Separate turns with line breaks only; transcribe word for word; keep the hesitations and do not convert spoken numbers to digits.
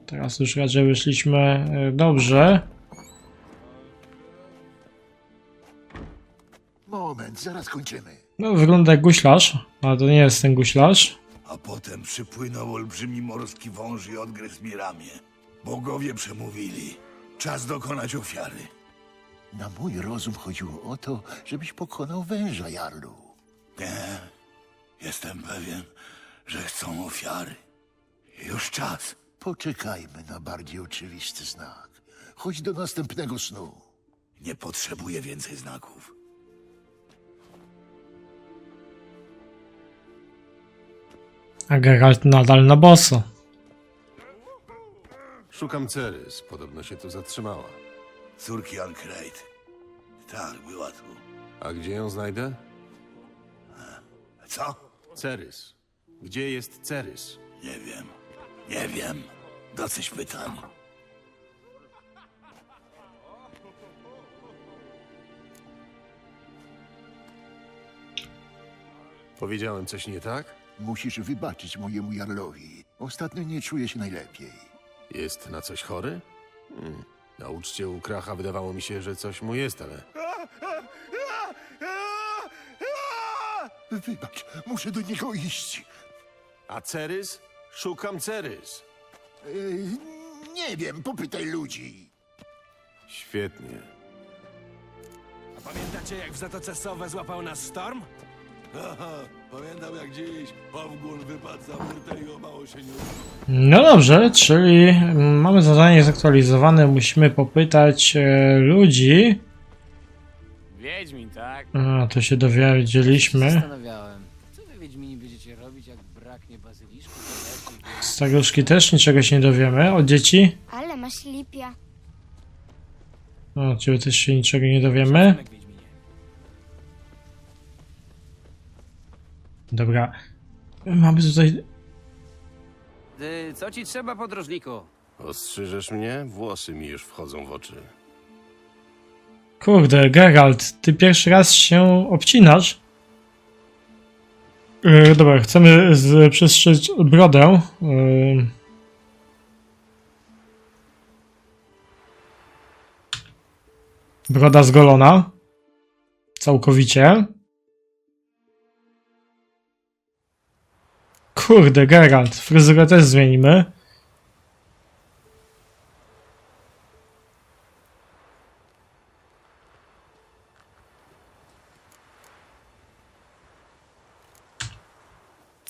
Teraz już raczej wyszliśmy dobrze.
Moment, zaraz kończymy.
No, wygląda jak guślarz, ale to nie jest ten guślarz.
A potem przypłynął olbrzymi morski wąż i odgryzł mi ramię. Bogowie przemówili. Czas dokonać ofiary.
Na mój rozum chodziło o to, żebyś pokonał węża, Jarlu.
Nie, jestem pewien, że chcą ofiary. Już czas.
Poczekajmy na bardziej oczywisty znak. Chodź do następnego snu.
Nie potrzebuję więcej znaków.
A Geralt nadal na boso.
Szukam Cerys. Podobno się tu zatrzymała.
Córki Ancrate. Tak, była tu.
A gdzie ją znajdę?
Co?
Cerys. Gdzie jest Cerys?
Nie wiem. Nie wiem. Dosyć pytań.
Powiedziałem coś nie tak?
Musisz wybaczyć mojemu Jarlowi. Ostatnio nie czuję się najlepiej.
Jest na coś chory? Hmm. Na uczcie u Kracha wydawało mi się, że coś mu jest, ale...
Wybacz, muszę do niego iść.
A Cerys? Szukam Cerys.
Yy, nie wiem, popytaj ludzi.
Świetnie.
A pamiętacie, jak w Zatoce Sowe złapał nas sztorm?
Aha, pamiętam jak dziś Powgun wypadł za burtę i o mało się nie udało.
No dobrze, czyli mamy zadanie zaktualizowane, musimy popytać e, ludzi.
Wiedźmin, tak?
A, to się dowiedzieliśmy.
Zastanawiałem, co wy Wiedźmini będziecie robić, jak braknie bazyliszku, to
Staruszki też niczego się nie dowiemy. Od dzieci?
Ale masz lipia.
O, od ciebie też się niczego nie dowiemy.
Wiedźminie.
Dobra. Mamy tutaj...
Ty, co ci trzeba, podróżniku?
Ostrzyżesz mnie? Włosy mi już wchodzą w oczy.
Kurde, Geralt, ty pierwszy raz się obcinasz? Yy, dobra, chcemy z, przestrzec brodę. Yy. Broda zgolona. Całkowicie. Kurde, Geralt, fryzurę też zmienimy.